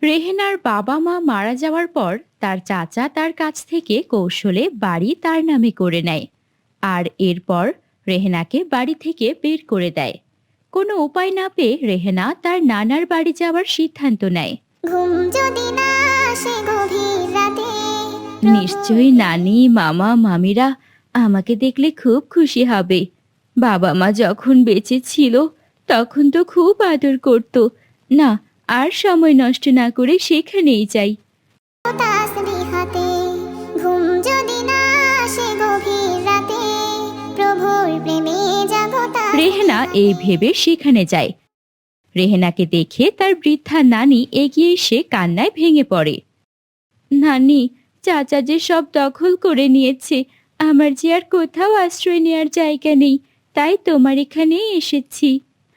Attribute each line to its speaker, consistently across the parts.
Speaker 1: রেহেনার বাবা মা মারা যাওয়ার পর তার চাচা তার কাছ থেকে কৌশলে বাড়ি তার নামে করে নেয়। আর এরপর রেহেনাকে বাড়ি থেকে বের করে দেয়। কোনো উপায় না পেয়ে রেহেনা তার নানার বাড়ি যাওয়ার সিদ্ধান্ত নেয়।
Speaker 2: ঘুম যদি না আসে গভীর রাতে,
Speaker 1: নিশ্চয়ই নানি মামা মামিরা আমাকে দেখলে খুব খুশি হবে। বাবা মা যখন বেঁচে ছিল তখন তো খুব আদর করত। না, আর সময় নষ্ট না করে সেখানেই যাই।
Speaker 2: তাসবিহ হাতে, ঘুম যদি না আসে গভীর রাতে, প্রভুর প্রেমে জাগতা।
Speaker 1: রেহেনা এই ভেবে সেখানে যায়। রেহেনাকে দেখে তার বৃদ্ধা নানি এগিয়ে এসে কান্নায় ভেঙে পড়ে। নানি, চাচা যে সব দখল করে নিয়েছে, আমার যে আর কোথাও আশ্রয় নেওয়ার জায়গা নেই, তাই তোমার এখানেই এসেছি।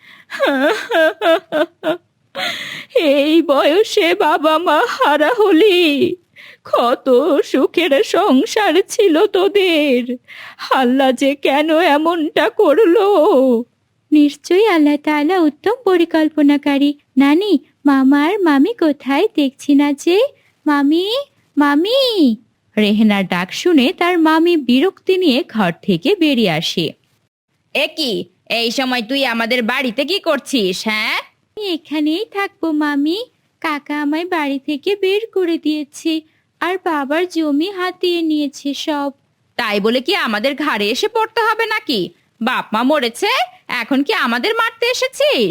Speaker 1: এই বয়সে বাবা মা হারা হলি, কত সুখের সংসার ছিল তোদের, আল্লাহ যে কেন এমনটা করলো? নিশ্চয়ই আল্লাহ তাআলা উত্তম পরিকল্পনাকারী। নানি, মামা আর মামি কোথায় দেখছি না যে? মামি, মামি! রেহেনার ডাক শুনে তার মামি বিরক্তি নিয়ে ঘর থেকে বেরিয়ে আসে। কি, এই সময় তুই আমাদের বাড়িতে কি করছিস? হ্যাঁ, আমি এখানেই থাকবো মামি। কাকা আমায় বাড়ি থেকে বের করে দিয়েছে, আর বাবার জমি হাতিয়ে নিয়েছে সব। তাই বলে কি আমাদের ঘাড়ে এসে পড়তে হবে নাকি? বাপ মা মরেছে, এখন কি আমাদের মারতে এসেছিস?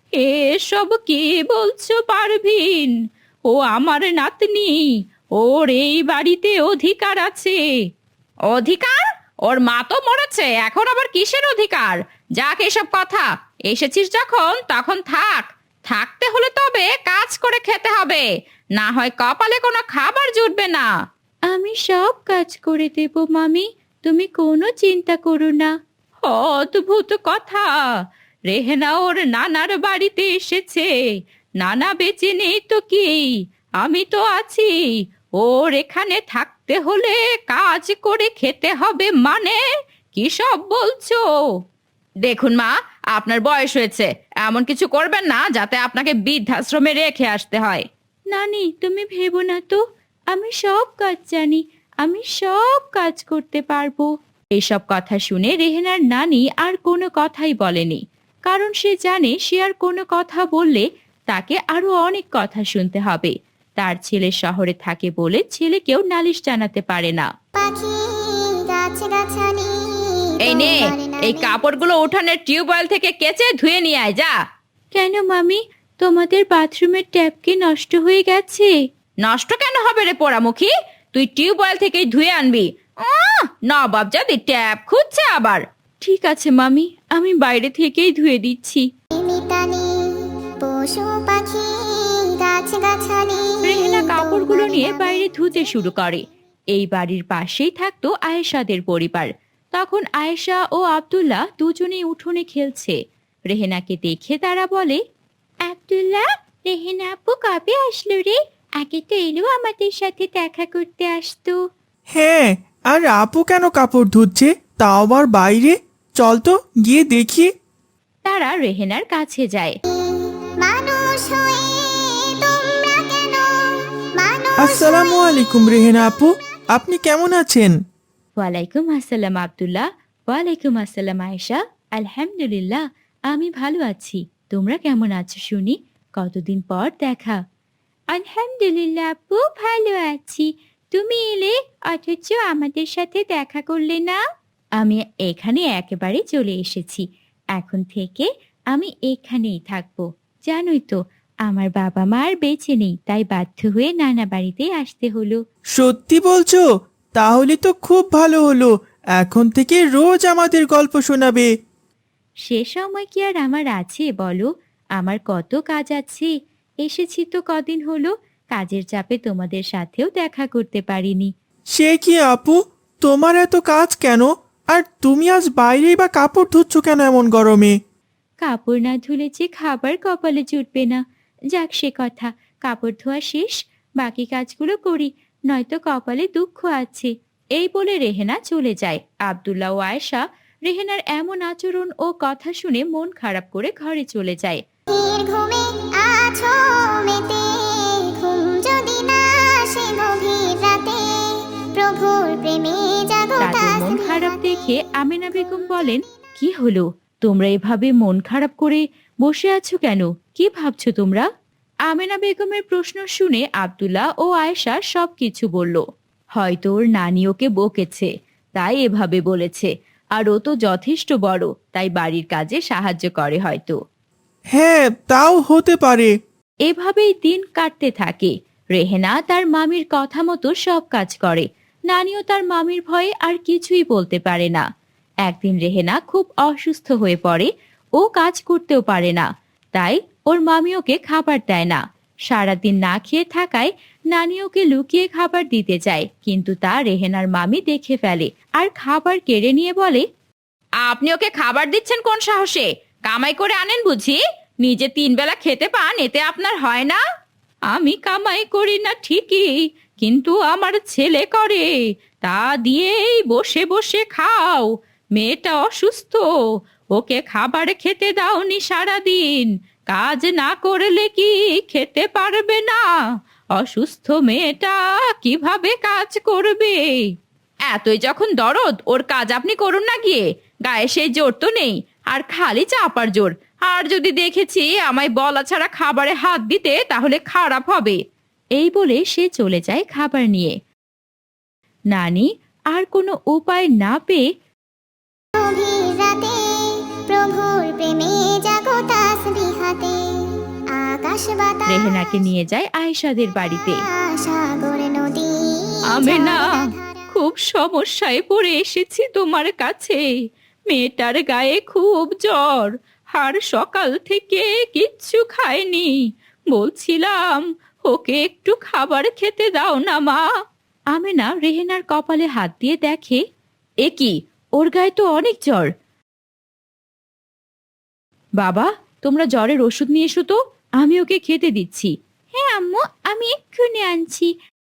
Speaker 1: এসব কি বলছো পারভিন? ও আমার নাতনি, ওর এই বাড়িতে অধিকার আছে। অধিকার? ওর মা তো মরেছে, এখন আবার কিসের অধিকার? যাক এসব কথা, এসেছিস যখন তখন থাক। থাকতে হলে তবে কাজ করে খেতে হবে, না হয় কপালে কোনো খাবার জুটবে না। আমি সব কাজ করে দেব মামি, তুমি কোনো চিন্তা করো না। অদ্ভুত কথা, রেহেনা ওর নানার বাড়িতে এসেছে, নানা বেঁচে নেই তো কি, আমি তো আছি। ওর এখানে থাকতে হলে কাজ করে খেতে হবে মানে কি সব বলছো? দেখুন মা, আপনার বয়স হয়েছে, এমন কিছু করবেন না যাতে আপনাকে বৃদ্ধাশ্রমে রেখে আসতে হয়। নানি, তুমি ভেবো না তো, আমি সব কাজ জানি, আমি সব কাজ করতে পারবো। এসব কথা শুনে রেহেনার নানি আর কোনো কথাই বলেনি, কারণ সে জানে সে আর কোনো কথা বললে তাকে আরো অনেক কথা শুনতে হবে। তার ছেলে শহরে থাকে বলে ছেলেকেও নালিশ জানাতে পারে না।
Speaker 2: পাখি গাছগাছালি,
Speaker 1: এই নে, এই কাপড়গুলো উঠানের টিউবওয়েল থেকে কেচে ধুয়ে নিয়ে আয় যা। কেন মামি, তোমাদের বাথরুমের ট্যাপ কি নষ্ট হয়ে গেছে? নষ্ট কেন হবে রে পোড়ামুখী, তুই টিউবওয়েল থেকেই ধুয়ে আনবি। নবাব জাদি ট্যাপ খুঁজছে আবার। ঠিক আছে মামি, আমি বাইরে থেকেই ধুয়ে দিচ্ছি।
Speaker 2: মিতালি, পশু পাখি গাছগাছালি।
Speaker 1: রেহেনা কাপড়গুলো নিয়ে বাইরে ধুতে শুরু করে। এই বাড়ির পাশেই থাকতো আয়েশাদের পরিবার। তখন আয়েশা ও আব্দুল্লাহ দুজনেই উঠোনে খেলছে। রেহেনাকে দেখে তারা বলে, আব্দুল্লাহ, রেহেনা আপু কবে আসলো রে? আগে তো এলেও আমাদের সাথে দেখা করতে আসতো।
Speaker 3: হ্যাঁ, আর আপু কেন কাপড় ধুচ্ছে, তাও আবার বাইরে? চল তো গিয়ে দেখি।
Speaker 1: তারা রেহেনার কাছে যায়।
Speaker 2: মানুষ হয়ে তোমরা কেন, মানুষ
Speaker 3: আসসালামু আলাইকুম রেহেনা আপু, আপনি কেমন আছেন?
Speaker 1: ওয়ালাইকুম আসসালাম আব্দুল্লাহ। ওয়ালাইকুম আসসালাম আয়েশা। আলহামদুলিল্লাহ, আমি ভালো আছি। তোমরা কেমন আছো শুনি? কতদিন পর দেখা। আলহামদুলিল্লাহ আপু, ভালো আছি। তুমি এলে অথচ আমাদের সাথে দেখা করলে না। আমি এখানে একেবারে চলে এসেছি। এখন থেকে আমি এখানেই থাকবো। জানোই তো, আমার বাবা মা আর বেঁচে নেই, তাই বাধ্য হয়ে নানা বাড়িতে আসতে হলো।
Speaker 3: সত্যি বলছো? তাহলে তো খুব ভালো হলো, এখন থেকে রোজ আমাদের গল্প শোনাবে।
Speaker 1: সে সময় কি আর আমার আছে বলো? আমার কত কাজ আছে। এসেছি তো কদিন হলো, কাজের চাপে তোমাদের সাথেও দেখা করতে পারিনি।
Speaker 3: সে কি আপু, তোমার এত কাজ কেন? আর তুমি আজ বাইরেই বা কাপড় ধুচ্ছ কেন এমন গরমে?
Speaker 1: কাপড় না ধুলে যে খাবার কপালে জুটবে না। যাক সে কথা, কাপড় ধোয়া শেষ, বাকি কাজগুলো করি, নয়তো কপালে দুঃখ আছে। এই বলে রেহেনা চলে যায়। আব্দুল্লাহ ও আয়েশা রেহেনার এমন আচরণ ও কথা শুনে মন খারাপ করে ঘরে চলে যায়।
Speaker 2: ঘুমে আছো মেতে, ঘুম
Speaker 1: দেখে আমেনা বেগম বলেন, কি হলো, তোমরা এভাবে মন খারাপ করে বসে আছো কেন? কি ভাবছো তোমরা? আমেনা বেগমের প্রশ্ন শুনে আব্দুল্লাহ ও আয়েশা সবকিছু বলল। হয়তো ওর নানি ওকে বকেছে, তাই এভাবে বলেছে। আর ও তো যথেষ্ট বড়, তাই বাড়ির কাজে সাহায্য করে হয়তো।
Speaker 3: হ্যাঁ, তাও হতে পারে।
Speaker 1: এভাবেই দিন কাটতে থাকে। রেহেনা তার মামির কথা মতো সব কাজ করে। নানিও তার মামির ভয়ে আর কিছুই বলতে পারে না। একদিন রেহেনা খুব অসুস্থ হয়ে পড়ে। ও কাজ করতেও পারে না, তাই ওর মামি ওকে খাবার দেয় না। সারাদিন না খেয়ে থাকায় নানি ওকে লুকিয়ে খাবার দিতে চায়, কিন্তু তা রেহেনার মামি দেখে ফেলে আর খাবার কেড়ে নিয়ে বলে, আপনি ওকে খাবার দিচ্ছেন কোন সাহসে? কামাই করে আনেন বুঝি? নিজে 3 বেলা খেতে পান, এতে আপনার হয় না? আমি কামাই করি না ঠিকই, কিন্তু আমার ছেলে করে। তা দিয়েই বসে বসে খাও। মেয়েটা অসুস্থ, ওকে খাবার খেতে দাওনি সারাদিন। কাজ না করলে কি খেতে পারবে না? অসুস্থ মেয়েটা কিভাবে কাজ করবে? এতই যখন দরদ, ওর কাজ আপনি করুন না গিয়ে। গায়ে সেই জোর তো নেই, আর খালি চাপার জোর। আর যদি দেখেছি আমায় বলা ছাড়া খাবারে হাত দিতে, তাহলে খারাপ হবে। এই বলে সে চলে যায় খাবার নিয়ে। নানি আর কোনো উপায় না পেয়ে
Speaker 2: গভীর রাতে প্রভুর প্রেমে জাগো তাসবিহাতে আকাশ বাতাস
Speaker 1: রেহেনাকে নিয়ে যায় আয়েশাদের বাড়িতে।
Speaker 2: সাগর নদী
Speaker 1: আমেনা, খুব সমস্যায় পড়ে এসেছি তোমার কাছে। মেয়েটার গায়ে খুব জ্বর, আর সকাল থেকে কিচ্ছু খায়নি। বলছিলাম ওকে একটু খাবার খেতে দাও না মা। আমেনা রেহেনার কপালে হাত দিয়ে দেখে, এ কি, ওর গায়ে তো অনেক জ্বর। বাবা, তোমরা জ্বরের ওষুধ নিয়ে এসো তো, আমি ওকে খেতে দিচ্ছি। হ্যাঁ আম্মু, আমি এক্ষুনি আনছি।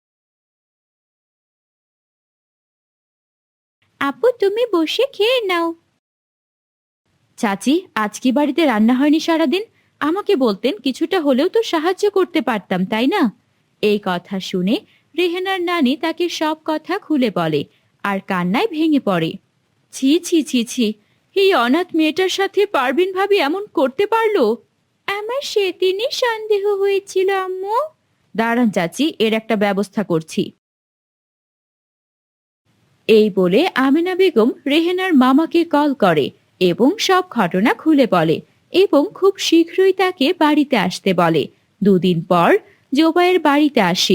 Speaker 1: আপু, তুমি বসে খেয়ে নাও। চাচি, আজ কি বাড়িতে রান্না হয়নি সারাদিন? আমাকে বলতেন, কিছুটা হলেও তো সাহায্য করতে পারতাম, তাই না? এই কথা শুনে রেহেনার নানি তাকে সব কথা খুলে বলে আর কান্নায় ভেঙে পড়ে। ছি ছি ছি ছি, এই অনাথ মেয়েটার সাথে পারবিন ভাবি এমন করতে পারলো? আমার সেদিনই সন্দেহ হয়েছিল আম্মু। দাঁড়ান চাচি, এর একটা ব্যবস্থা করছি। এই বলে আমেনা বেগম রেহেনার মামাকে কল করে এবং সব ঘটনা খুলে বলে এবং খুব শীঘ্রই তাকে বাড়িতে আসতে বলে। 2 দিন পর জোবায়ের বাড়িতে আসে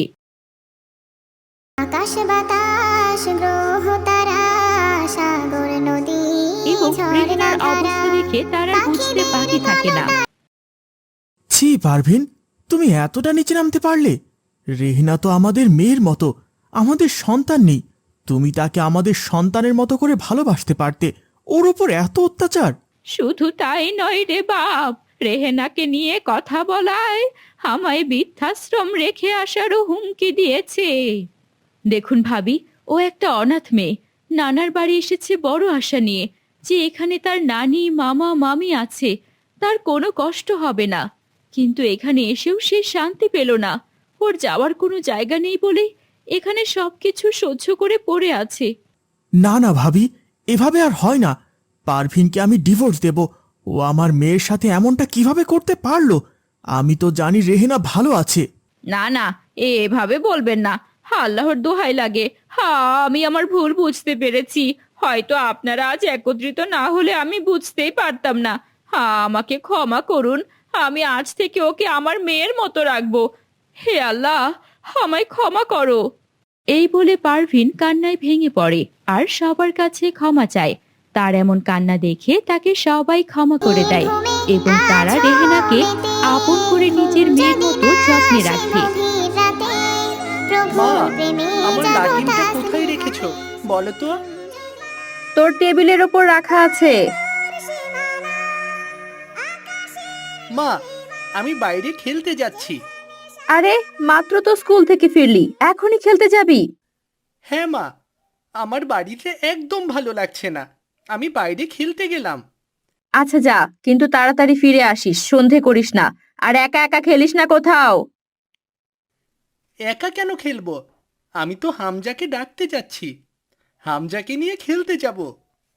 Speaker 2: আকাশ বাতাস গ্রহ তারা সাগর নদী
Speaker 1: এবং রেহেনার অবস্থা দেখে তার আর বুঝতে বাকি থাকে না।
Speaker 3: ছি পারভিন, তুমি এতটা নিচে নামতে পারলে? রেহিনা তো আমাদের মেয়ের মতো, আমাদের সন্তান নেই। তুমি তাকে আমাদের সন্তানের মতো করে ভালোবাসতে পারতে, ওর উপর এত অত্যাচার!
Speaker 1: শুধু তাই নয় রে বাপ, রেহেনাকে নিয়ে কথা বলায় আমায় বৃদ্ধাশ্রম রেখে আসারও হুমকি দিয়েছে। দেখুন ভাবি, ও একটা অনাথ মেয়ে। নানার বাড়ি এসেছে বড় আশা নিয়ে যে এখানে তার নানি মামা মামি আছে, তার কোনো কষ্ট হবে না। কিন্তু এখানে এসেও সে শান্তি পেল না। ওর যাওয়ার কোনো জায়গা নেই বলে এখানে সবকিছু সহ্য করে পড়ে আছে।
Speaker 3: না না ভাবি, এভাবে আর হয় না। পারভিনকে আমি ডিভোর্স দেব। ও আমার মেয়ের সাথে এমনটা কিভাবে করতে পারলো? আমি তো জানি রেহেনা ভালো আছে।
Speaker 1: না না, এভাবে বলবেন না। আল্লাহর দোহাই লাগে, আমি আমার ভুল বুঝতে পেরেছি। হয়তো আপনারা আজ একত্রিত না হলে আমি বুঝতেই পারতাম না। আমাকে ক্ষমা করুন। আমি আজ থেকে ওকে আমার মেয়ের মতো রাখবো। হে আল্লাহ, আমায় ক্ষমা করো। এই বলে পারভিন কান্নায় ভেঙে পড়ে আর সবার কাছে ক্ষমা চায়। তার এমন কান্না দেখে তাকে সবাই ক্ষমা করে দেয় এবং তারা রেহেনাকে আপন করে নিজের মেয়ের মতো যত্নে রাখে।
Speaker 4: মা, আমার লাঠিমটা কোথায় রেখেছো বলো তো?
Speaker 1: তোর টেবিলের ওপর রাখা আছে।
Speaker 4: মা, আমি বাইরে খেলতে যাচ্ছি।
Speaker 1: আরে, মাত্র তো স্কুল থেকে ফিরলি, এখনই খেলতে যাবি?
Speaker 4: হ্যাঁ মা, আমার বাড়িতে একদম ভালো লাগছে না, আমি বাইরে খেলতে গেলাম।
Speaker 1: আচ্ছা যা, কিন্তু তাড়াতাড়ি ফিরে আসিস, সন্ধে করিস না। আর একা একা খেলিস না কোথাও।
Speaker 4: একা কেন খেলবো? আমি তো হামজাকে ডাকতে যাচ্ছি। হামজাকে নিয়ে খেলতে যাব।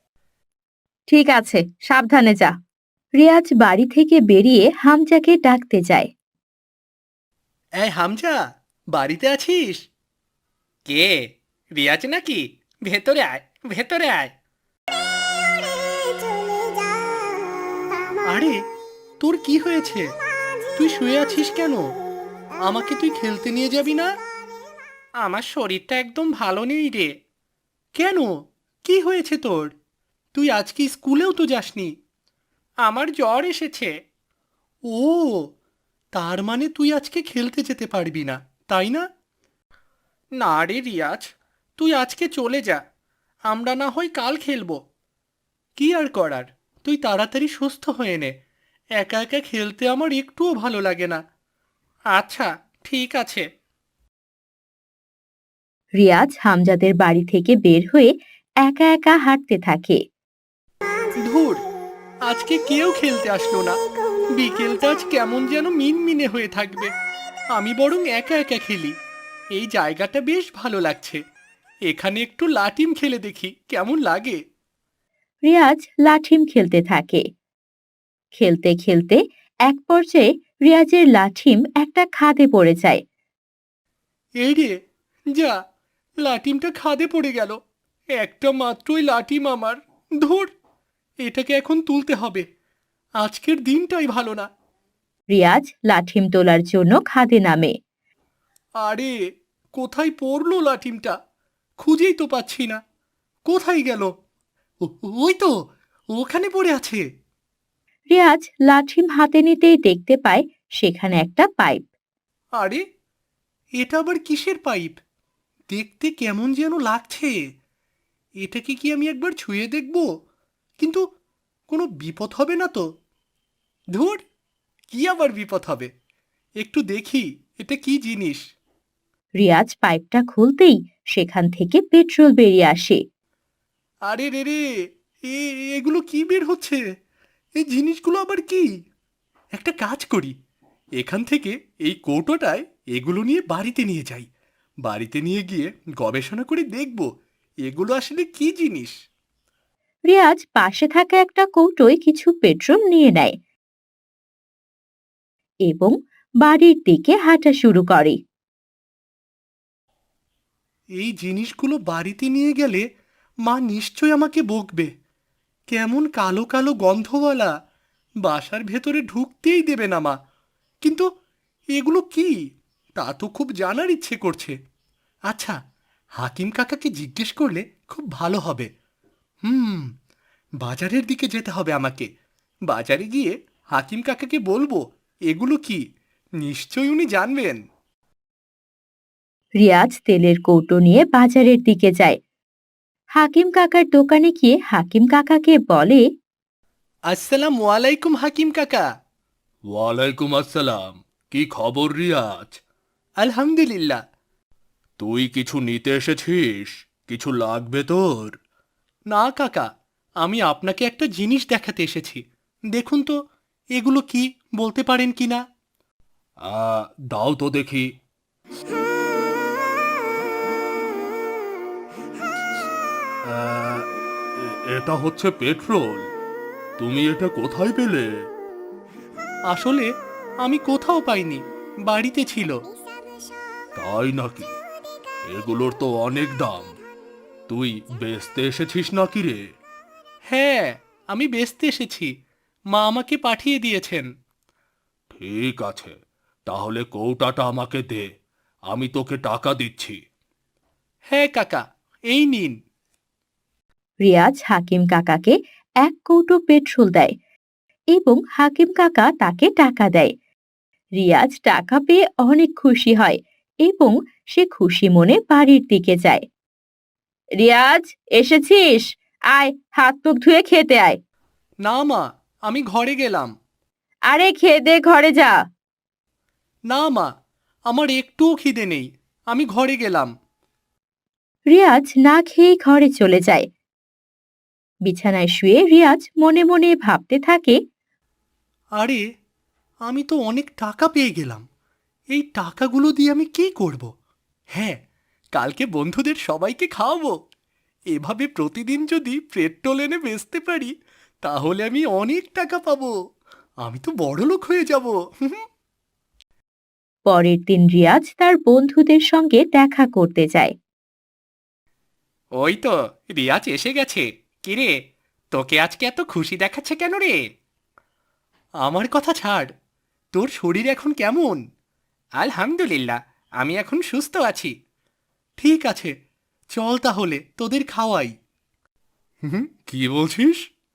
Speaker 1: ঠিক আছে, সাবধানে যা। রিয়াজ বাড়ি থেকে বেরিয়ে হামজাকে ডাকতে যায়।
Speaker 4: এই হামজা, বাড়িতে আছিস? কে, রিয়াজ নাকি? ভেতরে আয়, ভেতরে আয়। আরে, তোর কি হয়েছে? তুই শুয়ে আছিস কেন? আমাকে তুই খেলতে নিয়ে যাবি না? আমার শরীরটা একদম ভালো নেই রে। কেন, কি হয়েছে তোর? তুই আজকে স্কুলেও তো যাসনি। আমার জ্বর এসেছে। ও, তার মানে তুই আজকে খেলতে যেতে পারবি না, তাই না? না রে রিয়াজ, তুই আজকে চলে যা। আমরা না হয় কাল খেলবো। কি আর করার, তুই তাড়াতাড়ি সুস্থ হয়ে নে। একা একা খেলতে আমার একটুও ভালো লাগে না। আচ্ছা, ঠিক আছে।
Speaker 1: রিয়াজ হামজাদের বাড়ি থেকে বের হয়ে একা একা হাঁটতে থাকে।
Speaker 4: ধুর, আজকে কেউ খেলতে আসলো না। বিকেলটা আজ কেমন যেন মিনমিনে হয়ে থাকবে। আমি বরং একা একা খেলি। এই জায়গাটা বেশ ভালো লাগছে। এখানে একটু লাটিম খেলে দেখি কেমন লাগে।
Speaker 1: রিয়াজ লাঠিম খেলতে থাকে। খেলতে খেলতে এক পর্যায়ে রিয়াজের লাঠিম একটা খাদে পড়ে যায়।
Speaker 4: এই রে, যা, লাটিমটা খাদে পড়ে গেল। একটা মাত্রই লাটিম আমার। ধুর, এটাকে এখন তুলতে হবে। আজকের দিনটাই ভালো না।
Speaker 1: রিয়াজ লাঠিম তোলার জন্য খাদে নামে।
Speaker 4: আরে, কোথায় পড়লো লাঠিমটা? খুঁজেই তো পাচ্ছি না। কোথায় গেল? ওই তো, ওখানে পড়ে আছে।
Speaker 1: রিয়াজ লাঠিম হাতে নিতেই দেখতে পায় সেখানে একটা পাইপ।
Speaker 4: আরে, এটা আবার কিসের পাইপ? দেখতে কেমন যেন লাগছে। এটাকে কি আমি একবার ছুঁয়ে দেখব? কিন্তু কোনো বিপদ হবে না তো? ধুর, কি আবার বিপদ হবে? একটু দেখি এটা কি জিনিস।
Speaker 1: রিয়াজ পাইপটা খুলতেই সেখান থেকে পেট্রোল বেরিয়ে আসে।
Speaker 4: আরে রে রে, এগুলো কি বের হচ্ছে? এই জিনিসগুলো আবার কি? একটা কাজ করি, এখান থেকে এই কৌটোটায় এগুলো নিয়ে বাড়িতে নিয়ে যাই। বাড়িতে নিয়ে গিয়ে গবেষণা করে দেখব এগুলো আসলে কি জিনিস।
Speaker 1: রিয়াজ পাশে থাকা একটা কৌটোয় কিছু পেট্রোল নিয়ে নেয় এবং বাড়ির দিকে হাঁটা শুরু করে।
Speaker 4: এই জিনিসগুলো বাড়িতে নিয়ে গেলে মা নিশ্চয় আমাকে বকবে। কেমন কালো কালো গন্ধওয়ালা, বাসার ভেতরে ঢুকতেই দেবে না মা। কিন্তু এগুলো কি, তা তো খুব জানার ইচ্ছে করছে। আচ্ছা, হাকিম কাকাকে জিজ্ঞেস করলে খুব ভালো হবে। হুম, বাজারের দিকে যেতে হবে আমাকে। বাজারে গিয়ে হাকিম কাকাকে বলবো এগুলো কি, নিশ্চয়ই উনি জানবেন।
Speaker 1: রিয়াজ তেলের কৌটো নিয়ে বাজারের দিকে যায়। হাকিম কাকার দোকানে গিয়ে হাকিম কাকাকে বলে,
Speaker 4: আসসালামু আলাইকুম হাকিম কাকা। ওয়ালাইকুম আসসালাম। কি খবর রিয়াজ? আলহামদুলিল্লাহ। তুই কিছু নিতে এসেছিস? কিছু লাগবে তোর? না কাকা, আমি আপনাকে একটা জিনিস দেখাতে এসেছি। দেখুন তো, এগুলো কি, বলতে পারেন কি না? দাও তো দেখি। এটা হচ্ছে পেট্রোল। তুমি এটা কোথায় পেলে? আসলে আমি কোথাও পাইনি, বাড়িতে ছিল। তাই নাকি? এগুলোর তো অনেক দাম। তুই বেচতে এসেছিস নাকি রে? হ্যাঁ, আমি বেচতে এসেছি। মা আমাকে পাঠিয়ে দিয়েছেন। ঠিক আছে, তাহলে কৌটাটা আমাকে দে, আমি তোকে টাকা দিচ্ছি। হ্যাঁ কাকা, এই নিন।
Speaker 1: রিয়াজ হাকিম কাকাকে এক কৌটো পেট্রোল দেয় এবং হাকিম কাকা তাকে টাকা দেয়। রিয়াজ টাকা পেয়ে অনেক খুশি হয় এবং সে খুশি মনে বাড়ির দিকে যায়। রিয়াজ, এসেছিস? আয়, হাত মুখ ধুয়ে খেতে আয়।
Speaker 4: না মা, আমি ঘরে গেলাম।
Speaker 1: আরে খেয়ে দে, ঘরে যা।
Speaker 4: না মা, আমার একটুও খিদে নেই, আমি ঘরে গেলাম।
Speaker 1: রিয়াজ না খেয়ে ঘরে চলে যায়। বিছানায় শুয়ে রিয়াজ মনে মনে ভাবতে থাকে,
Speaker 4: আরে, আমি তো অনেক টাকা পেয়ে গেলাম। এই টাকাগুলো দিয়ে আমি কি করব? হ্যাঁ, কালকে বন্ধুদের সবাইকে খাওয়াবো। এভাবে প্রতিদিন যদি পেট্রোল এনে বেচতে পারি, তাহলে আমি অনেক টাকা পাবো। আমি তো বড়লোক হয়ে যাব।
Speaker 1: পরের দিন রিয়াজ তার বন্ধুদের সঙ্গে দেখা করতে যায়।
Speaker 4: ওই তো রিয়াজ এসে গেছে। কিরে, তোকে আজকে এত খুশি দেখাচ্ছে কেন রে? আমার কথা ছাড়, তোর শরীর এখন কেমন? আলহামদুলিল্লাহ, আমি এখন সুস্থ আছি। ঠিক আছে, চল তাহলে তোদের খাওয়াই। কি বলছিস?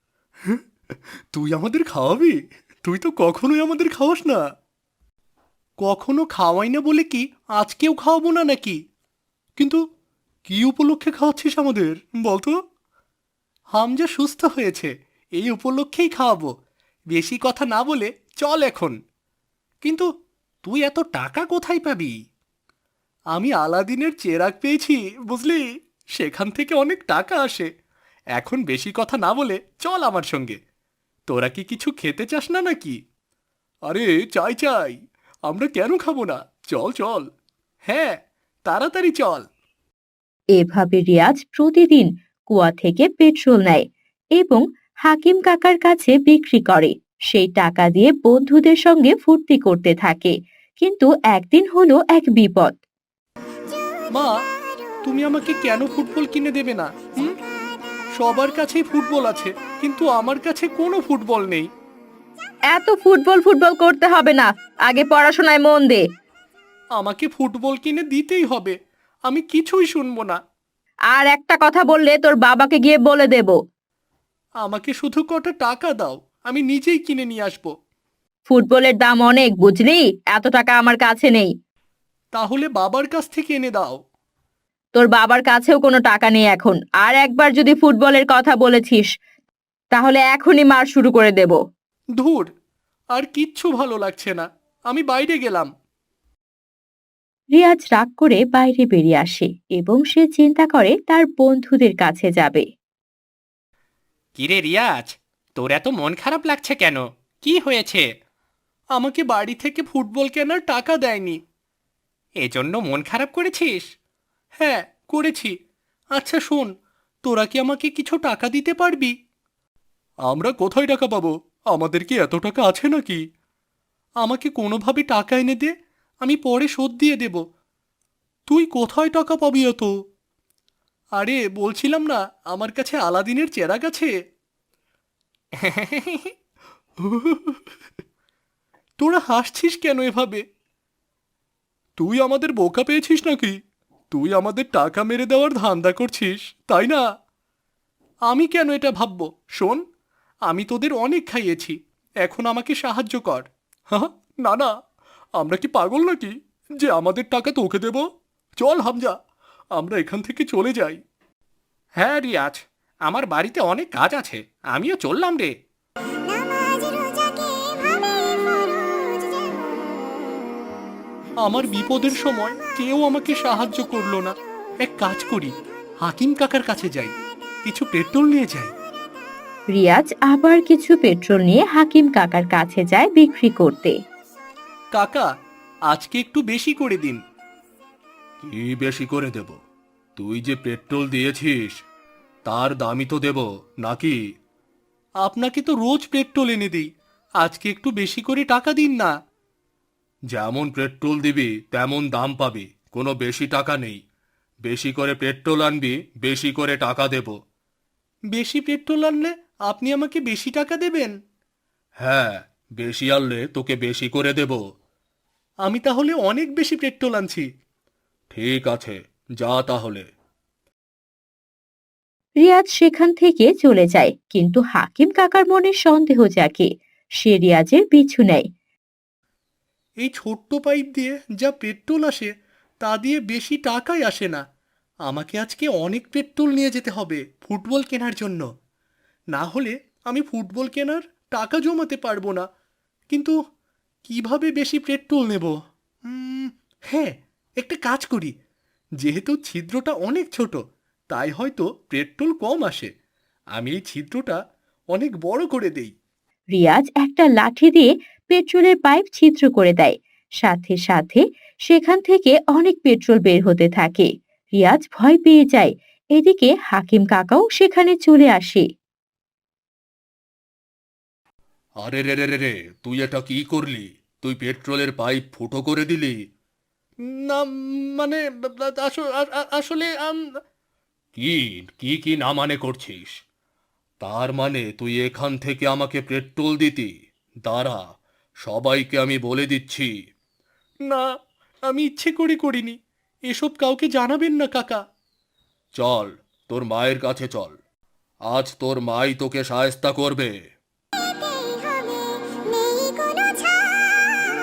Speaker 4: তুই আমাদের খাওয়াবি? তুই তো কখনোই আমাদের খাওয়াস না। কখনো খাওয়াই না বলে কি আজকেও খাওয়াবো না নাকি? কিন্তু কি উপলক্ষে খাওয়াচ্ছিস আমাদের বলতো? হামজা সুস্থ হয়েছে, এই উপলক্ষেই খাওয়াবো। বেশি কথা না বলে চল এখন। কিন্তু তুই এত টাকা কোথায় পাবি? আমি আলাদিনের চেরাগ পেয়েছি, বুঝলি? সেখান থেকে অনেক টাকা আসে। এখন বেশি কথা না বলে চল আমার সঙ্গে। তোরা কি কিছু খেতে চাস না নাকি? আরে চাই চাই, আমরা কেন খাবো না? চল চল, হ্যাঁ তাড়াতাড়ি চল।
Speaker 1: এভাবে রিয়াজ প্রতিদিন কুয়া থেকে পেট্রোল নেয় এবং হাকিম কাকার কাছে বিক্রি করে। সেই টাকা দিয়ে বন্ধুদের সঙ্গে ফুর্তি করতে থাকে। কিন্তু একদিন হলো এক বিপদ।
Speaker 4: মা, তুমি আমাকে কেন ফুটবল কিনে দেবে না? সবার কাছেই ফুটবল আছে, কিন্তু আমার কাছে কোনো ফুটবল নেই।
Speaker 1: এত ফুটবল ফুটবল করতে হবে না, আগে পড়াশোনায় মন দে।
Speaker 4: আমাকে ফুটবল কিনে দিতেই হবে, আমি কিছুই শুনবো না।
Speaker 1: আর একটা কথা বললে তোর বাবাকে গিয়ে বলে দেব।
Speaker 4: আমাকে শুধু কটা টাকা দাও, আমি নিজেই কিনে নিয়ে আসবো।
Speaker 1: ফুটবলের দাম অনেক, বুঝলি? এত টাকা আমার কাছে নেই।
Speaker 4: তাহলে বাবার কাছ থেকে এনে দাও।
Speaker 1: তোর বাবার কাছেও কোনো টাকা নেই এখন। আর একবার যদি ফুটবলের কথা বলেছিস তাহলে এখনই মার শুরু করে দেব।
Speaker 4: ধুর, আর কিচ্ছু ভালো লাগছে না, আমি বাইরে গেলাম।
Speaker 1: রিয়াজ রাগ করে বাইরে বেরিয়ে আসে এবং সে চিন্তা করে তার বন্ধুদের কাছে যাবে।
Speaker 4: কিরে রিয়াজ, তোর এত মন খারাপ লাগছে কেন? কি হয়েছে? আমাকে বাড়ি থেকে ফুটবল কেনার টাকা দেয়নি, এজন্য মন খারাপ করেছিস? হ্যাঁ করেছি। আচ্ছা শোন, তোরা কি আমাকে কিছু টাকা দিতে পারবি? আমরা কোথায় টাকা পাবো? আমাদের কি এত টাকা আছে নাকি? আমাকে কোনোভাবে টাকা এনে দে, আমি পরে শোধ দিয়ে দেব। তুই কোথায় টাকা পাবি এত? আরে বলছিলাম না, আমার কাছে আলাদিনের চেরাগ আছে। তোরা হাসছিস কেন এভাবে? তুই আমাদের বোকা পেয়েছিস নাকি? তুই আমাদের টাকা মেরে দেওয়ার ধান্দা করছিস, তাই না? আমি কেন এটা ভাববো? শোন, আমি তোদের অনেক খাইয়েছি, এখন আমাকে সাহায্য কর। হ্যাঁ, না না, আমরা কি পাগল নাকি যে আমাদের টাকা তোকে দেব? চল হামজা, আমরা এখান থেকে চলে যাই। হ্যাঁ রিয়াজ, আমার বাড়িতে অনেক কাজ আছে, আমিও চললাম রে।
Speaker 2: নামাজ রোজাকে ভাবে ফরজ যেমন,
Speaker 4: আমার বিপদের সময় কেউ আমাকে সাহায্য করলো না। এক কাজ করি, হাকিম কাকার কাছে যাই, কিছু পেট্রোল নিয়ে যাই।
Speaker 1: রিয়াজ আবার কিছু পেট্রোল নিয়ে হাকিম কাকার কাছে যায় বিক্রি করতে।
Speaker 4: কাকা, আজকে একটু বেশি করে দিন। কি বেশি করে দেব? তুই যে পেট্রোল দিয়েছিস তার দামই তো দেব নাকি? আপনাকে তো রোজ পেট্রোল এনে দিই, আজকে একটু বেশি করে টাকা দিন না। যেমন পেট্রোল দিবি তেমন দাম পাবি, কোনো বেশি টাকা নেই। বেশি করে পেট্রোল আনবি, বেশি করে টাকা দেব। বেশি পেট্রোল আনলে আপনি আমাকে বেশি টাকা দেবেন? হ্যাঁ, বেশি আনলে তোকে বেশি করে দেব। আমি তাহলে অনেক বেশি পেট্রোল আনছি। ঠিক আছে, যা তাহলে।
Speaker 1: রিয়াজ সেখান থেকে চলে যায়, কিন্তু হাকিম কাকার মনে সন্দেহ জাগে। সে রিয়াজের পিছু নেয়।
Speaker 4: এই ছোট্ট পাইপ দিয়ে যা পেট্রোল আসে তা দিয়ে বেশি টাকাই আসে না। আমাকে আজকে অনেক পেট্রোল নিয়ে যেতে হবে ফুটবল কেনার জন্য, না হলে আমি ফুটবল কেনার টাকা জমাতে পারবো না। কিন্তু কিভাবে বেশি পেট্রোল নেব? হ্যাঁ, একটা কাজ করি, যেহেতু ছিদ্রটা অনেক ছোট তাই হয়তো পেট্রোল কম আসে। আমি এই ছিদ্রটা অনেক বড় করে দেই।
Speaker 1: রিয়াজ একটা লাঠি দিয়ে পেট্রোলের পাইপ ছিদ্র করে দেয়। সাথে সাথে সেখান থেকে অনেক পেট্রোল বের হতে থাকে। রিয়াজ ভয় পেয়ে যায়। এদিকে হাকিম কাকাও সেখানে চলে আসে।
Speaker 5: আরে রে রে রে রে, তুই এটা কি করলি? তুই পেট্রোলের পাইপ ফুটো করে দিলি?
Speaker 4: না মানে আসলে
Speaker 5: কি কি কি না মানে করছিস? তার মানে তুই এখান থেকে আমাকে পেট্রোল দিতি? দাঁড়া, সবাইকে আমি বলে দিচ্ছি।
Speaker 4: না, আমি ইচ্ছে করে করিনি। এসব কাউকে জানাবেন না কাকা।
Speaker 5: চল, তোর মায়ের কাছে চল। আজ তোর মাই তোকে শায়েস্তা করবে।
Speaker 2: পেতেই হবে, নেই কোনো ছাড়।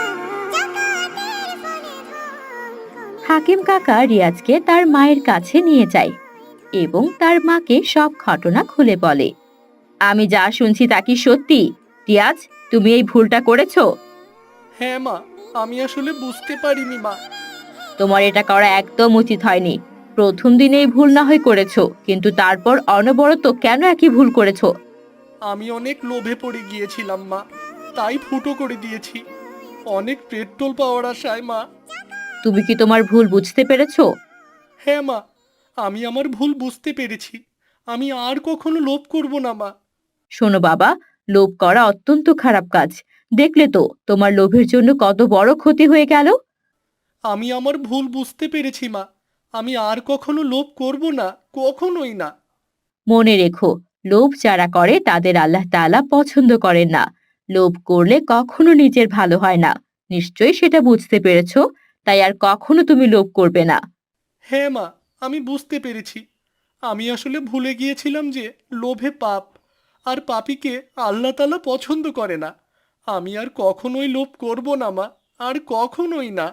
Speaker 2: জাকাতের ফলে ধন কমে
Speaker 1: হাকিম কাকা রিয়াজকে তার মায়ের কাছে নিয়ে যায় এবং তার মাকে সব ঘটনা খুলে বলে। আমি যা শুনছি তা কি সত্যি? রিয়াজ, তুমি এই ভুলটা করেছো?
Speaker 4: হ্যাঁ মা, আমি আসলে বুঝতে পারিনি মা।
Speaker 1: তোমার এটা করা একদম উচিত হয়নি। প্রথম দিনেই ভুল না হয় করেছো, কিন্তু তারপর অনবরত কেন একই ভুল করেছো?
Speaker 4: আমি অনেক লোভে পড়ে গিয়েছিলাম মা, তাই ফুটো করে দিয়েছি। অনেক পেট্রোল পাওয়ার আশায় মা।
Speaker 1: তুমি কি তোমার ভুল বুঝতে পেরেছো?
Speaker 4: হ্যাঁ মা, আমি আমার ভুল বুঝতে পেরেছি। আমি আর কখনো লোভ করব না মা।
Speaker 1: শোনো বাবা, লোভ করা অত্যন্ত খারাপ কাজ। দেখলে তো তোমার লোভের জন্য কত বড় ক্ষতি হয়ে গেল।
Speaker 4: আমি আমার ভুল বুঝতে পেরেছি মা। আমি আর কখনো লোভ করব না, কখনোই না।
Speaker 1: মনে রেখো, লোভ যারা করে তাদের আল্লাহ তাআলা পছন্দ করেন না। লোভ করলে কখনো নিজের ভালো হয় না। নিশ্চয়ই সেটা বুঝতে পেরেছো, তাই আর কখনো তুমি লোভ করবে না।
Speaker 4: হ্যাঁ মা, আমি বুঝতে পেরেছি। আমি আসলে ভুলে গিয়েছিলাম যে লোভে পাপ, আর পাপীকে আল্লাহ তাআলা পছন্দ করে না। আমি আর কখনোই লোভ করব না মা, আর কখনোই না।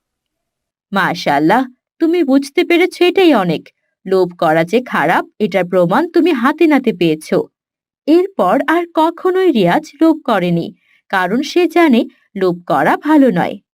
Speaker 1: মাশাআল্লাহ, তুমি বুঝতে পেরেছো, এটাই অনেক। লোভ করা যে খারাপ এটার প্রমাণ তুমি হাতে নাতে পেয়েছো। এরপর আর কখনোই রিয়াজ লোভ করেনি, কারণ সে জানে লোভ করা ভালো নয়।